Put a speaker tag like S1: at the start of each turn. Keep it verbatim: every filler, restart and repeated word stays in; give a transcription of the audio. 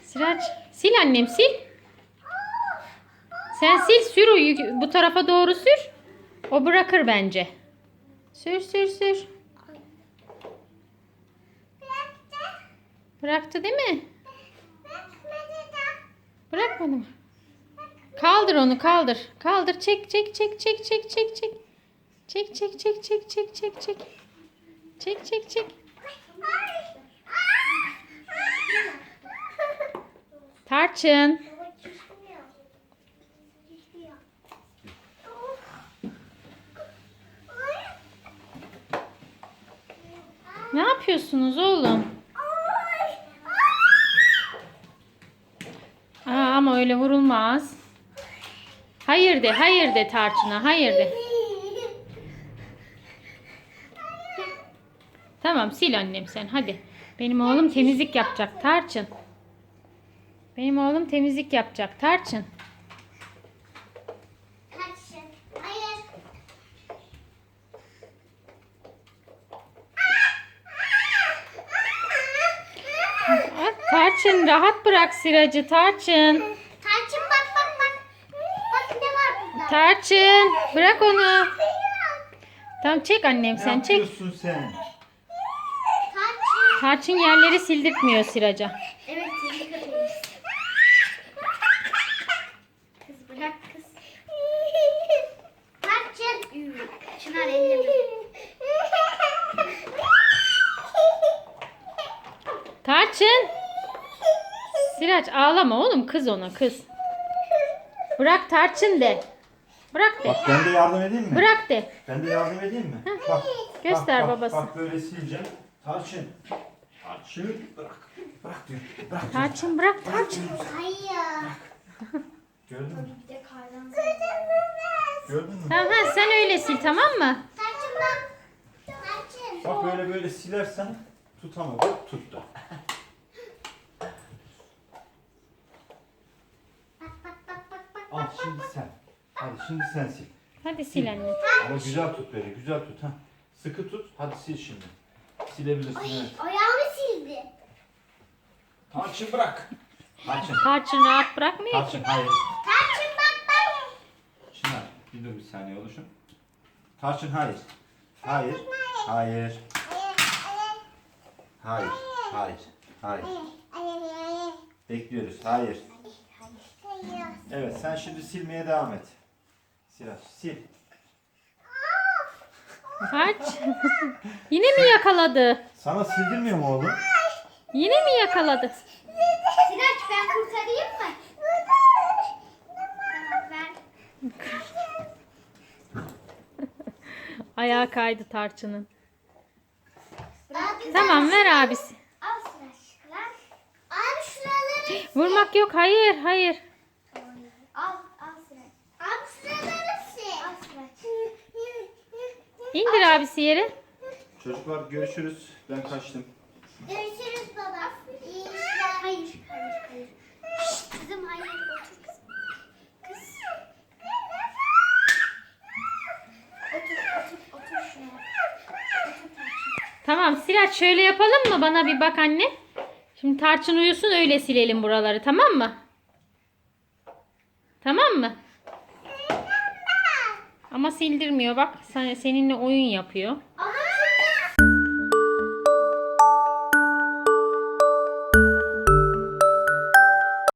S1: Sıraç sil annem sil. Sen sil sür o bu tarafa doğru sür. O bırakır bence. Sür sür sür. Bıraktı değil mi? Bırakmadı mı? Kaldır onu kaldır. Kaldır çek çek çek çek çek çek çek. Çek çek çek çek çek çek çek. Çek çek çek. Tarçın. Ne yapıyorsunuz oğlum? Aa, ama öyle vurulmaz. Hayır de, hayır de Tarçın'a, hayır de. Tamam sil annem sen hadi. Benim oğlum temizlik yapacak Tarçın. Benim oğlum temizlik yapacak Tarçın. Tarçın rahat bırak Siracı Tarçın.
S2: Tarçın bak bak bak. Bak ne var burada.
S1: Tarçın bırak onu. Tamam çek annem sen
S3: Ne
S1: çek.
S3: yapıyorsun sen?
S2: Tarçın.
S1: Tarçın yerleri sildirtmiyor Siraca.
S2: Evet seni kapatayım. Kız bırak kız. Tarçın. Çınar elleme.
S1: Tarçın. Sirac ağlama oğlum kız ona kız. Bırak Tarçın de. Bırak de.
S3: Bak ben de yardım edeyim mi?
S1: Bırak de.
S3: Ben de yardım edeyim mi? Bak.
S1: Göster
S3: bak, bak,
S1: babası.
S3: Bak böyle sileceğim. Tarçın. Tarçın. Bırak. Bırak diyor. Bırak diyor.
S1: Tarçın bırak Tarçın.
S2: Hayır.
S3: Gördün mü?
S2: Bir de kardan.
S3: Gördün mü?
S1: Tamam ha, sen öyle sil tamam mı?
S2: Tarçın bak. Tarçın.
S3: Bak böyle böyle silersen tutamadı. Tuttu.
S2: Bak bak bak bak bak.
S3: Al şimdi sen. Hadi şimdi sen sil.
S1: Hadi sil anne.
S3: Ama güzel tut böyle. Güzel tut. Ha. Sıkı tut. Hadi sil şimdi. Silebilirsin evet.
S2: Ayağımı sildi.
S3: Tarçın bırak. Tarçın.
S1: Tarçın rahat bırakmıyor ki.
S3: Tarçın hayır.
S2: Tarçın bak bak.
S3: Çınar bir dur bir saniye oluşun. Tarçın hayır. Hayır. Hayır. Hayır. Hayır. Hayır. Bekliyoruz. Hayır. Evet sen şimdi silmeye devam et. Siraç sil.
S1: Tarçın. Yine mi yakaladı?
S3: Sana sildirmiyor mu oğlum?
S1: Yine mi yakaladı?
S2: Siraç ben kurtarayım mı? Tamam ver.
S1: Ayağı kaydı Tarçın'ın.
S2: Abi,
S1: Tamam ver abisi.
S2: al Siraç. Ver. Abi şuraları.
S1: Vurmak yok hayır hayır.
S2: Al al Siraç. Abi şuraları sil. Al Siraç.
S1: İndir abisi yere.
S3: Çocuklar görüşürüz. Ben kaçtım.
S2: Görüşürüz baba. İyi işler. Hayır. Hayır hayır. Şşt, kızım hayır. Otur kızım. Kız. Otur otur otur şuraya. Otur Tarçın.
S1: Tamam Sirac şöyle yapalım mı? Bana bir bak anne. Şimdi Tarçın uyusun öyle silelim buraları tamam mı? Tamam mı? Ama sildirmiyor bak seninle oyun yapıyor.